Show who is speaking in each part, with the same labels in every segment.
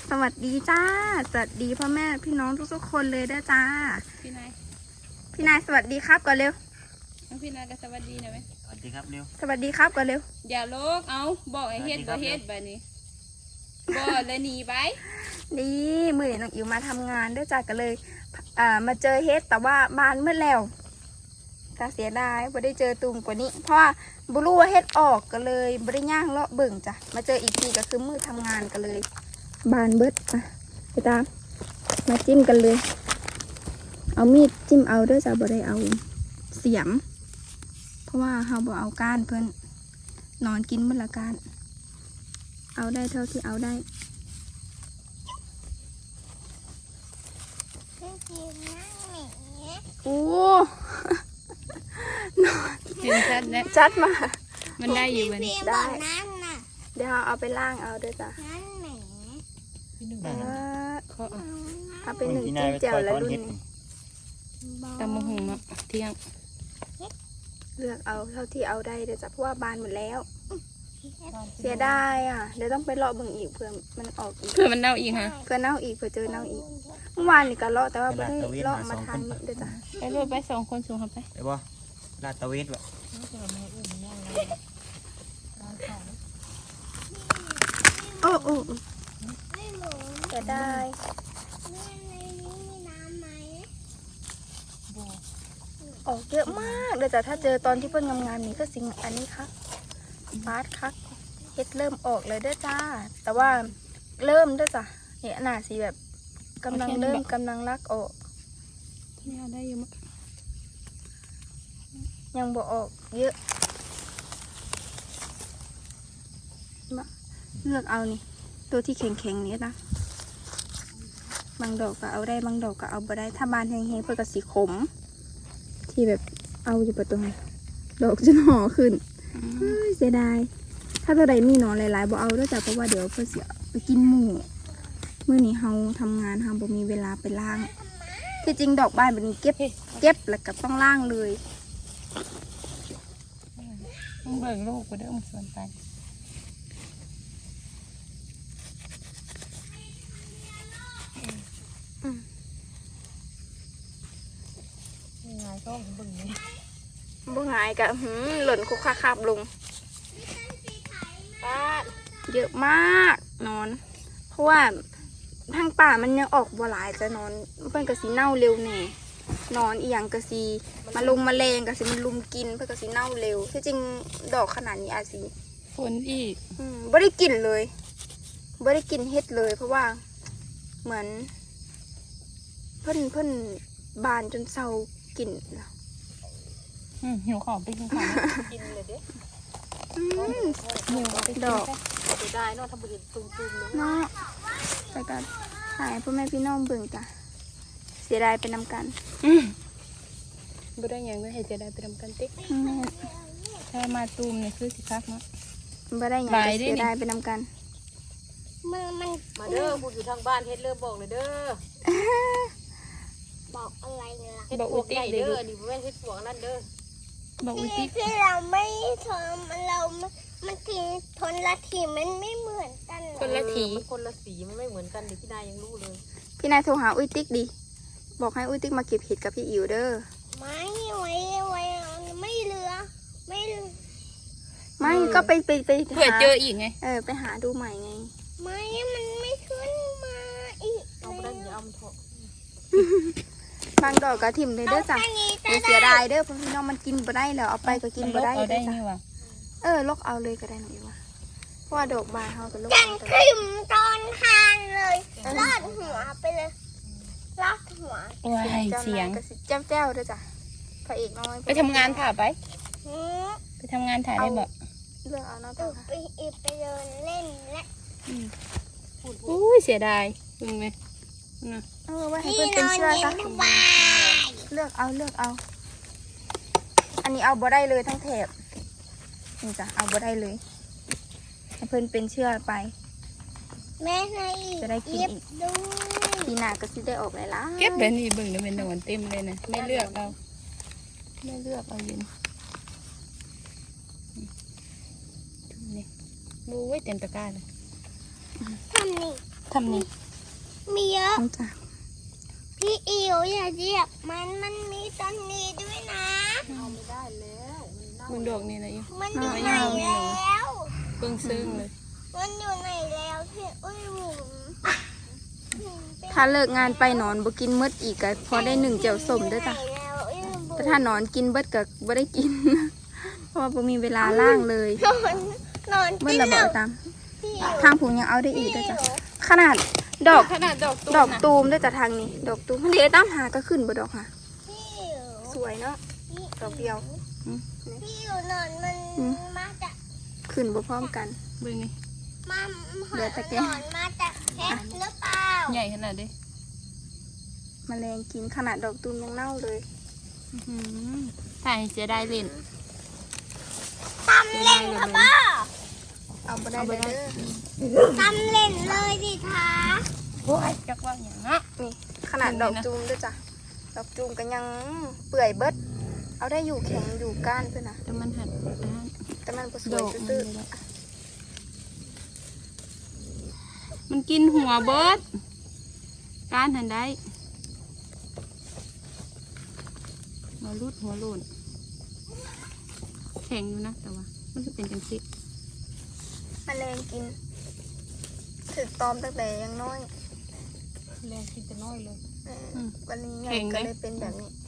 Speaker 1: สวัสดีจ้าสวัสดีพ่อแม่พี่น้องทุกๆคนเลยเด้อจ้า
Speaker 2: พี่นาย
Speaker 1: สวัสดีครับก่อนเร็ว
Speaker 2: พี่นายก็สวัสดีนะไหม
Speaker 3: สวัสดีครับเร็ว
Speaker 1: สวัสดีครับก่อนเร็ว
Speaker 2: อย่าโลกเอาบอกไอ้เฮ็ดบ่เฮ็ดแบบนี้บ่เลยหนีไป
Speaker 1: นี่มือเดี๋ยวน้องอิ๋วมาทำงานเด้อจ้าก็เลยมาเจอเฮ็ดแต่ว่าบานมืดแล้วก็เสียดายไม่ได้เจอตุ่มกว่านี้เพราะว่าบุรู้ว่าเฮ็ดออกก็เลยไม่ได้ย่างเลาะเบิ่งจ้ะมาเจออีกทีก็คือมือทำงานกันเลยบานเบิดไปตามมาจิ้มกันเลยเอามีดจิ้มเอาเด้อจ้ะบ่ได้เอาเสียมเพราะว่าเราบ่เอาก้านเพิ่นนอนกินมื้อละก้านเอาได้เท่าที่เอาได้โอ้
Speaker 2: เห็นชัดแล้ว
Speaker 1: จัดมา
Speaker 2: มันได้อยู่มัน
Speaker 1: ได้เดี๋ยวเอาไปล้างเอาเด้อจ้ะเอาไปหนึ่งจิ้มแจ่วแล้วรุ่นนี้
Speaker 2: ตำมะฮุงเนาะเที่ยง
Speaker 1: เลือกเอาเท่าที่เอาได้เดี๋ยวจะเพราะว่าบานหมดแล้วเสียดายอ่ะเดี๋ยวต้องไปเลาะเบิ่งอีกเพื่อมันออกอีก
Speaker 2: เพื่อมันเน่าอีกฮะ
Speaker 1: เพื่อเน่าอีกเพื่อเจอเน่าอีกเมื่อวานนี่ก็เลาะแต่ว่าไม่ได้เลาะมาทานเดี๋ยวจ้ะ
Speaker 2: ไปรถไป2 คนสูงครับไป
Speaker 3: บ่ลาดตะเวนแบบ
Speaker 1: โอ้เสียดายออกเยอะมากเลยจ้ะถ้าเจอตอนที่เพิ่งงามๆนี่ก็สิ่งอันนี้ครับฟาดคักเฮ็ดเริ่มออกเลยเด้อจ้าแต่ว่าเริ่มเด้อจ้ะเนี่ยหน้าสีแบบกำลังรักออก
Speaker 2: เนี่ยได้อยู่มั้ง
Speaker 1: ยังบ่ออกเยอะมาเลือกเอานี่ตัวที่แข็งๆนี้นะบางดอกก็เอาได้บางดอกก็เอาบ่ได้ถ้าบานแห้งๆเพื่อก็สีขมที่แบบเอาอยู่ประตูดอกจะห่อขึ้นเสียดายถ้าตัวใดมีหนอนหลายๆบ่เอาด้วยจ้ะเพราะว่าเดี๋ยวเพื่อเสียไปกินหมูเมื่อนี้เราทำงานเราบ่มีเวลาไปล้างที่จริงดอกบานแบบนี้เก็บแล้วก็ต้องล้างเลย
Speaker 2: ต้องเบิ่งลูกไปเด้อมันสวนไป
Speaker 1: ไงก็บึ้งนี่บึ้งหายกับหล่นคุกคาบลงเยอะมากนอนเพราะว่าทางป่ามันยังออกบัวหลายจะนอนเพื่อนกระสีเน่าเร็วแน่นอนอีหยังกระสีมาลงมาแรงกระสีมันลุมกินเพื่อนกระสีเน่าเร็วที่จริงดอกขนาดนี้อาสี
Speaker 2: ฝนอีก
Speaker 1: ไม่ได้กลิ่นเลยไม่ได้กลิ่นเฮ็ดเลยเพราะว่าเหมือนเพิ่นบานจนเศร้ากลิ่น
Speaker 2: หิวข้าวไปกินข้าวกินเลยเด้หิวไป
Speaker 1: ดอก
Speaker 2: ได้เนาะทำบุญตุ้มๆเลย
Speaker 1: เนาะแต่ก็หายพ่อแม่พี่น้องเบิ่งจ้ะเสียดายไปนำกัน
Speaker 2: บ่ได้ยังไม่ให้เสียดายไปนำกันติ๊กถ้ามาตูมเนี่ยคือสิคักเนาะ
Speaker 1: บ่ได้ยังเสียดายไปนำกัน
Speaker 4: มัน
Speaker 2: มาเด้อพูดอยู่ทางบ้านเฮ็ดเริ่มบอกเลยเด้อ
Speaker 4: บอกอะไรล่ะ
Speaker 2: บอกอุติเด้อนี่ไม่เฮ็ดปวกนั่นเด้อบอกอุติ
Speaker 4: ที่เราไม่ทนเรามันทีทนละทีมันไม่เหมือนกัน
Speaker 2: คนละทีคนละสีมันไม่เหมือนกันดิพี่นายยังรู้เลย
Speaker 1: พี่นายโทรหาอุ้ยติ๊กดิบอกให้อุ้ยติ๊กมาเก็บเห็ดกับพี่อิ๋วเด้อ
Speaker 4: ไม่ไว้ไม่เหลือ
Speaker 1: ไม่ก็ไป
Speaker 2: เผื่อเจออีกไง
Speaker 1: ไปหาดูใหม่ไง
Speaker 4: ไม่มันไม่ขึ้นมาอีก
Speaker 2: เอาไปได้อย่าเอามันเถอะ
Speaker 1: บางดอกกระถิ่มเลยเด้อจ้ะเสียดายเด้อเพราะพี่น้องมันกินบ่ได้แล้วเอาไปก็กินบ่ได้
Speaker 2: เด้อจ้ะ
Speaker 1: ลกเอาเลยก็ได้หนูว่าเพราะว่าดอกบานเขาก็ลก
Speaker 4: เอาถิ่มตอนทานเลยลอดหัวไปเลยลอดหัว
Speaker 2: เสียง
Speaker 1: เจ้าเด้อจ้ะพระเอกน้อย
Speaker 2: ไปทำงานถ่ายไปทำงานถ่ายได้บ่
Speaker 1: เลือกเอาเนาะ
Speaker 4: ไปเดินเล่นและ
Speaker 2: อุ้ยเสียดายจริงไหม
Speaker 1: ไว้ให้เพื่อนเป็นเชื่อจ้ะเลือกเอาอันนี้เอาบ่ได้เลยทั้งแถบนี่จ้ะเอาบ่ได้เลยให้เพื่อนเป็นเชื่อไป
Speaker 4: แม่
Speaker 1: จะได้กินอีกปีหน้าก็สิได้ออกหลายๆ
Speaker 2: เก็บแบบนี้เบิ่งแล้วเป็นหนอนเต็มเลยนะไม่เลือกเอายินนี่ดูไว้เต็มตะกร้าเลย
Speaker 4: ทำนี่
Speaker 2: ทำนี่
Speaker 4: มีเยอะ
Speaker 1: จ้ะ
Speaker 4: พี่อิ๋วอย่าเหยียบมันมีต้นนี้ด้วยนะ
Speaker 2: มึงดอกนี่นะอยู่
Speaker 4: มันอยู่ไหนแล้ว
Speaker 2: เบิ่งซึ้งเลย
Speaker 4: มันอยู่ไหนแล้วพี่อุ้ยหมุน
Speaker 1: ถ้าเลิกงานไปนอนบ่กินมืดอีกก็พอได้1เจียวส้มเด้อจ้ะ
Speaker 4: แล้วอุ้ยหมุน
Speaker 1: แต่ถ้านอนกินเบิดก็บ่ได้กิน เพราะว่าบ่มีเวลาล่างเลย
Speaker 4: นอน
Speaker 1: เบิด
Speaker 4: กิน
Speaker 1: ระ
Speaker 4: แล้
Speaker 1: เบิ
Speaker 4: ว
Speaker 1: ดตาม
Speaker 4: พี่อิ๋ว
Speaker 1: ทางผูยังเอาได้อีกเด้อจ้ะขนาดดอก
Speaker 2: ขนาดดอกตุ้ม
Speaker 1: ดอก
Speaker 2: นะ
Speaker 1: ตูมเด้อจ้ะทางนี้ ดอกตูมมันเดี๋ยวตามหาก็ขึ้นบ่ดอกค่ะ
Speaker 4: พี่อิ๋ว
Speaker 1: สวยเนาะ ดอกเดียว
Speaker 4: พี่อิ๋วนอนมัน
Speaker 1: อืม
Speaker 4: มาจาก
Speaker 1: ขึ้นบ่พร้อมกัน
Speaker 2: เบิ่งนี่
Speaker 4: มา
Speaker 1: เหลือแต่แก้
Speaker 4: นอนมาจากเพชรหรือเปล่า
Speaker 2: ใหญ่ขนาดเด้
Speaker 1: แมลงกินขนาดดอกตูมยังเน่าเลย
Speaker 2: ถ่ายเสียดายเล่น
Speaker 4: ตำเล่นค่ะพ่อ
Speaker 1: เอาบ่ได้เด้อ
Speaker 4: ตำเล่นเลยดิคะ
Speaker 2: โอ้ยจักว่าอย่างนะ
Speaker 1: นี่ขนาดดอกตูมเด้อจ้ะ ดอกตูมก็ยังเปื่อยเบิด เอาได้อยู่แข็งอยู่ก้านเพื่อนนะ
Speaker 2: แต่มันหันด้าน
Speaker 1: แต่มันบ่ส
Speaker 2: ด
Speaker 1: วย
Speaker 2: อกมัน
Speaker 1: ตื้อ
Speaker 2: เลยละมันกินหัวเบิดการหันได้มารูดหัวโลนแข็งอยู่นะแต่ว่า มันจะเป็นจังสิ
Speaker 1: ๆแมลงกินถึกตอมตั้งแต่ยังน้อย
Speaker 2: แรงกินแต่น้อยเลย
Speaker 1: วันนี้ใหญ่
Speaker 2: แข็งไหม
Speaker 1: ก็เลยเป็นแบบนี้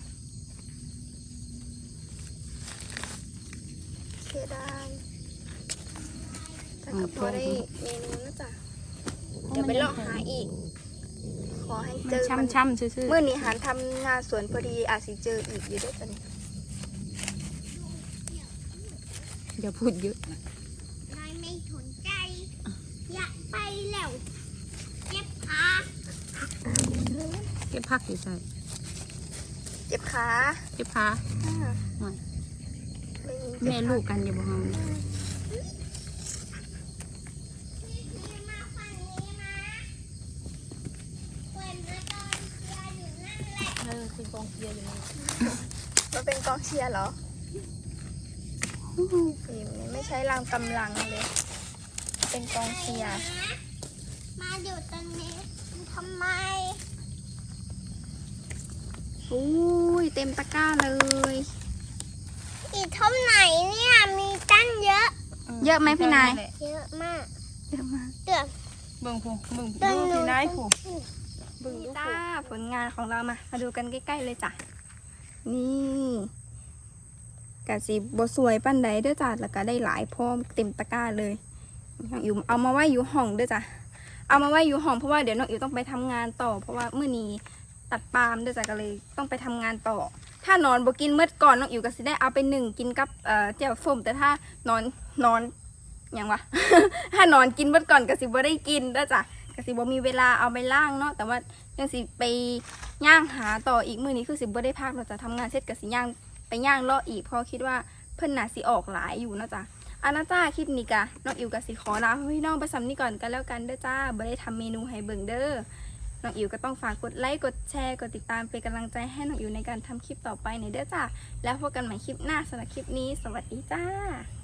Speaker 1: เสียดายแต่ก็พอได้เมนูนะจ๊ะเดี๋ยวไปเลาะหาอีก ขอให้
Speaker 2: มั
Speaker 1: เจ
Speaker 2: น
Speaker 1: อมัน
Speaker 2: ช้ำๆซื่อ
Speaker 1: เมื่อนี้หันทำงานสวนพอดีอาจสิเจออีกอยู่ด้วยกัน
Speaker 2: ๆอย่าพูดเยอะ
Speaker 4: นายไม่สนใจ อยากไปแล้วเก็บขา
Speaker 2: เก็บผักอยู่ใส่
Speaker 1: เจ็บขา
Speaker 2: เก็บผ้า
Speaker 1: อ่า
Speaker 2: หน่อย
Speaker 1: ได้ยิน
Speaker 2: แม่ลูกกันอย่าบอกเฮานะ
Speaker 4: พี่มาฝั่งนี้นะเปิดมาตอนเชียร์อยู่นั่นแหละ
Speaker 2: คือกองเชียร์อยู่นี่
Speaker 1: มันเป็นกองเชียร์เหรอฟิล์มนี่ไม่ใช่รางกำลังเลย เป็นกองเชียร์
Speaker 4: มาอยู่ตรงนี้ทำไม
Speaker 1: อุ้ยเต็มตะกร้าเลย
Speaker 4: อีกเท่าไหนเนี่ยมีตั้งเยอะ
Speaker 1: เยอะไหมพี่นาย
Speaker 4: เยอะมาก
Speaker 1: เยอะมาก
Speaker 4: เกือบ
Speaker 2: เบิ่งผู้เบิ่ง
Speaker 4: เบิ่ง
Speaker 2: ดู
Speaker 4: หนู
Speaker 2: พี่นายผู้
Speaker 1: บึงจ้าผลงานของเรามาดูกันใกล้ๆเลยจ้ะ นี่กะสีบสวยปั้นใดเด้อจ้ะแล้วก็ได้หลายพร้อมเต็มตะกร้าเลยน้องอิ๋วเอามาไว้อยู่ห้องเด้อจ้ะ เอามาไว้อยู่ห้องเพราะว่าเดี๋ยวน้องอิ๋วต้องไปทำงานต่อ เพราะว่ามื้อนี้ตัดปาล์มเด้อจ้ะก็เลยต้องไปทำงานต่อ ถ้านอนบ่กินเมื่อก่อนน้องอิ๋วก็สิได้เอาไปหนึ่งกินกับแจ่วส้มแต่ถ้านอนอย่างวะ ถ้านอนกินเมื่อก่อนก็สิบ่ได้กินเด้อจ้ะก็สิบ่มีเวลาเอาไปล่างเนาะแต่ว่ายังสิไปย่างหาต่ออีกมื้อนี้คือสิบ่ได้พักเราจะทำงานเสร็จก็สิย่างไปย่างเลาะอีกเพราะคิดว่าเพิ่นน่าสิออกหลายอยู่เนาะจ้ะอันนะจ้าคลิปนี้กะน้องอิ๋วก็สิขอลาพี่น้องไปซ้ำนี้ก่อนกันแล้วกันเด้อจ้าบ่ได้ทำเมนูให้เบิ่งเด้อน้องอิ๋วก็ต้องฝากกดไลค์กดแชร์กดติดตามเป็นกำลังใจให้น้องอิ๋วในการทำคลิปต่อไปในเด้อจ้าแล้วพบกันใหม่คลิปหน้าสำหรับคลิปนี้สวัสดีจ้า